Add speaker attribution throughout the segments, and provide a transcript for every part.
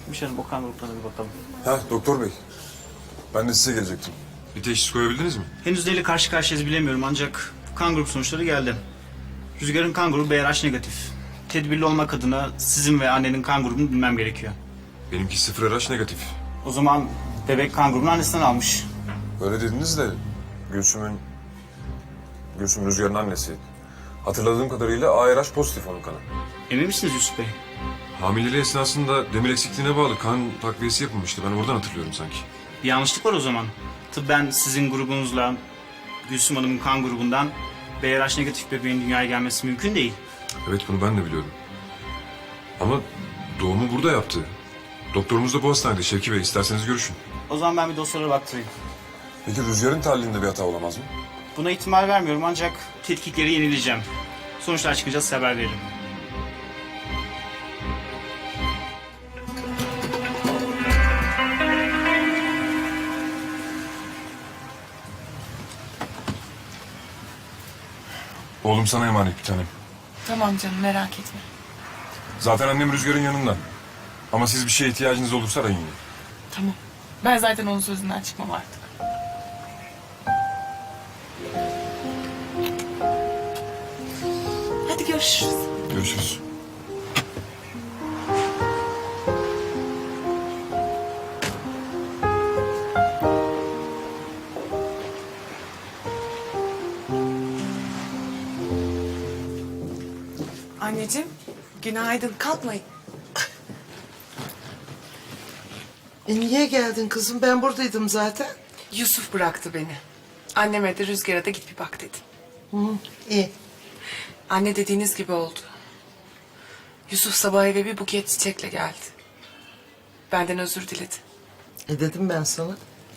Speaker 1: Gümüşhanım o kan gruplarına bir bakalım.
Speaker 2: Ha doktor bey. Ben de size gelecektim.
Speaker 3: Bir teşhis koyabildiniz mi?
Speaker 1: Henüz neyle karşı karşıyayız bilemiyorum ancak kan grup sonuçları geldi. Rüzgar'ın kan grubu BRH negatif. Tedbirli olmak adına sizin ve annenin kan grubunu bilmem gerekiyor.
Speaker 3: Benimki 0 RH negatif.
Speaker 1: O zaman bebek kan grubunu annesinden almış.
Speaker 2: Öyle dediniz de Gülsüm Rüzgar'ın annesi. Hatırladığım kadarıyla ARH pozitif onun kanı.
Speaker 1: Emin misiniz Yusuf Bey?
Speaker 3: Hamileliği esnasında demir eksikliğine bağlı kan takviyesi yapılmıştı. Ben oradan hatırlıyorum sanki.
Speaker 1: Bir yanlışlık var o zaman. Tıbben sizin grubunuzla Gülsüm Hanım'ın kan grubundan BRH negatif bebeğin dünyaya gelmesi mümkün değil.
Speaker 3: Evet bunu ben de biliyorum. Ama doğumu burada yaptı. Doktorumuz da bu hastanede Şevki Bey. İsterseniz görüşün.
Speaker 1: O zaman ben bir dosyalara baktırayım.
Speaker 2: Peki Rüzgar'ın tahlilinde bir hata olamaz mı?
Speaker 1: Buna ihtimal vermiyorum ancak tetkikleri yenileyeceğim. Sonuçlar çıkınca size haber veririm.
Speaker 2: Oğlum sana emanet bir tanem.
Speaker 4: Tamam canım, merak etme.
Speaker 2: Zaten annem Rüzgar'ın yanında. Ama siz bir şeye ihtiyacınız olursa arayın yine.
Speaker 4: Tamam. Ben zaten onun sözünden çıkmam artık. Hadi görüşürüz.
Speaker 2: Görüşürüz.
Speaker 4: Anneciğim, günaydın. Kalkmayın.
Speaker 5: Niye geldin kızım? Ben buradaydım zaten.
Speaker 4: Yusuf bıraktı beni. Anneme de Rüzgar'a da git bir bak dedi.
Speaker 5: İyi.
Speaker 4: Anne dediğiniz gibi oldu. Yusuf sabah eve bir buket çiçekle geldi. Benden özür diledi.
Speaker 5: Dedim ben sana.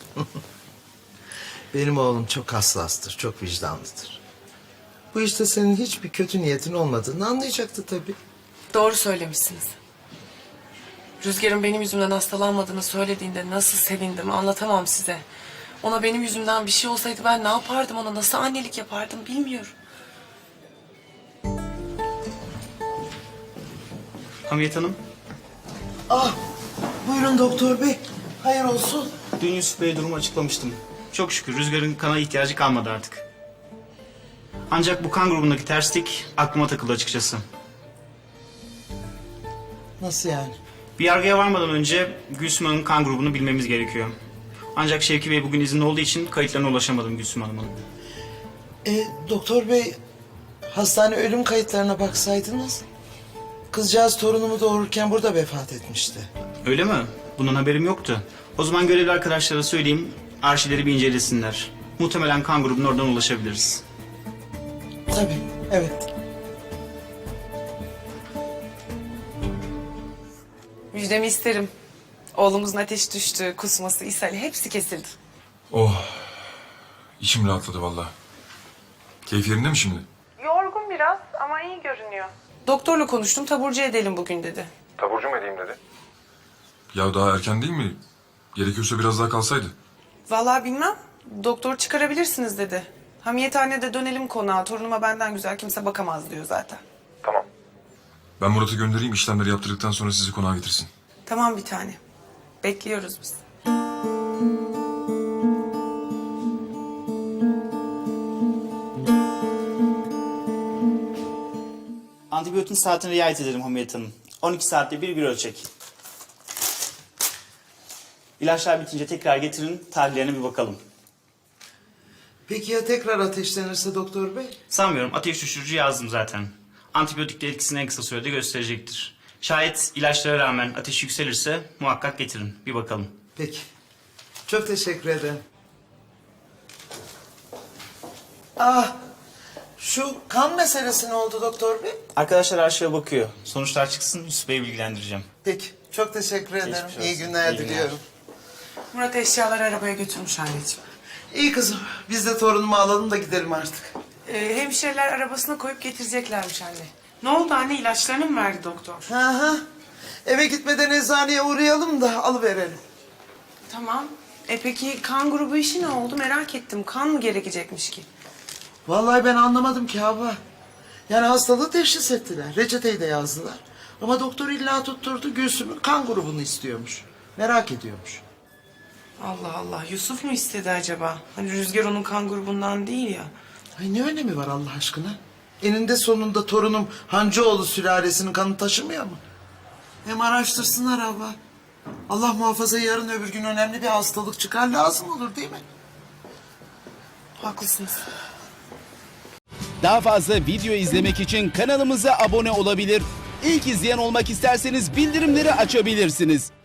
Speaker 5: Benim oğlum çok hassastır, çok vicdanlıdır. Bu işte senin hiçbir kötü niyetin olmadığını anlayacaktı tabii.
Speaker 4: Doğru söylemişsiniz. Rüzgar'ın benim yüzümden hastalanmadığını söylediğinde nasıl sevindim anlatamam size. Ona benim yüzümden bir şey olsaydı ben ne yapardım, ona nasıl annelik yapardım bilmiyorum.
Speaker 1: Hamiyet Hanım,
Speaker 5: Buyurun doktor bey. Hayır olsun.
Speaker 1: dün Yusuf Bey'e durumu açıklamıştım. Çok şükür Rüzgar'ın kana ihtiyacı kalmadı artık. Ancak bu kan grubundaki terslik aklıma takıldı açıkçası.
Speaker 5: Nasıl yani?
Speaker 1: Bir yargıya varmadan önce Gülsüm Hanım'ın kan grubunu bilmemiz gerekiyor. Ancak Şevki Bey bugün izinli olduğu için kayıtlarına ulaşamadım Gülsüm Hanım'ın.
Speaker 5: Doktor bey, hastane ölüm kayıtlarına baksaydınız. Kızcağız torunumu doğururken burada vefat etmişti.
Speaker 1: Öyle mi? Bunun haberim yoktu. O zaman görevli arkadaşlara söyleyeyim, arşivleri bir incelesinler. Muhtemelen kan grubuna oradan ulaşabiliriz.
Speaker 5: Tabii, evet.
Speaker 4: Müjdemi isterim. Oğlumuzun ateşi düştü, kusması, ishali hepsi kesildi.
Speaker 3: Oh. İçim rahatladı vallahi. Keyif yerinde mi şimdi?
Speaker 4: Yorgun biraz ama iyi görünüyor. Doktorla konuştum, taburcu edelim bugün dedi.
Speaker 2: Taburcu mu edeyim dedi.
Speaker 3: Ya daha erken değil mi? Gerekiyorsa biraz daha kalsaydı.
Speaker 4: Vallahi bilmem. Doktor çıkarabilirsiniz dedi. Hamiyethanede dönelim konağa. Torunuma benden güzel kimse bakamaz diyor zaten.
Speaker 3: Ben Murat'ı göndereyim, işlemleri yaptırdıktan sonra sizi konağa getirsin.
Speaker 4: Tamam bir tane. Bekliyoruz biz.
Speaker 1: Antibiyotin saatine riayet edelim Hamiyet Hanım. 12 saatte bir ölçek. İlaçlar bitince tekrar getirin, tahlillerine bir bakalım.
Speaker 5: Peki ya tekrar ateşlenirse doktor bey?
Speaker 1: Sanmıyorum, ateş düşürücü yazdım zaten. Antibiyotik de etkisini en kısa sürede gösterecektir. Şayet ilaçlara rağmen ateş yükselirse muhakkak getirin, bir bakalım.
Speaker 5: Peki. Çok teşekkür ederim. Şu kan meselesi ne oldu doktor bey?
Speaker 1: Arkadaşlar arşive bakıyor. Sonuçlar çıksın, Yusuf Bey'i bilgilendireceğim.
Speaker 5: Peki. Çok teşekkür ederim.
Speaker 1: Geçmiş olsun.
Speaker 5: İyi günler
Speaker 1: İyi günler.
Speaker 5: diliyorum.
Speaker 4: Murat eşyaları arabaya götürmüş anneciğim.
Speaker 5: İyi kızım. Biz de torunumu alalım da gidelim artık.
Speaker 4: Hemşireler arabasına koyup getireceklermiş anne. Ne oldu anne, ilaçlarını mı verdi doktor?
Speaker 5: Hı. Eve gitmeden eczaneye uğrayalım da alıverelim.
Speaker 4: Tamam. Peki kan grubu işi ne oldu, merak ettim. Kan mı gerekecekmiş ki?
Speaker 5: Vallahi ben anlamadım ki abla. Yani hastalığı teşhis ettiler. Reçeteyi de yazdılar. Ama doktor illa tutturdu, Gülsüm'ün kan grubunu istiyormuş. Merak ediyormuş.
Speaker 4: Allah Allah, Yusuf mu istedi acaba? Hani Rüzgar onun kan grubundan değil ya.
Speaker 5: Ay ne önemi var Allah aşkına? Eninde sonunda torunum Hancıoğlu sülalesinin kanı taşımıyor mu? Hem araştırsınlar abla. Allah muhafaza yarın öbür gün önemli bir hastalık çıkar, lazım olur değil mi?
Speaker 4: Haklısınız.
Speaker 6: Daha fazla video izlemek için kanalımıza abone olabilir. İlk izleyen olmak isterseniz bildirimleri açabilirsiniz.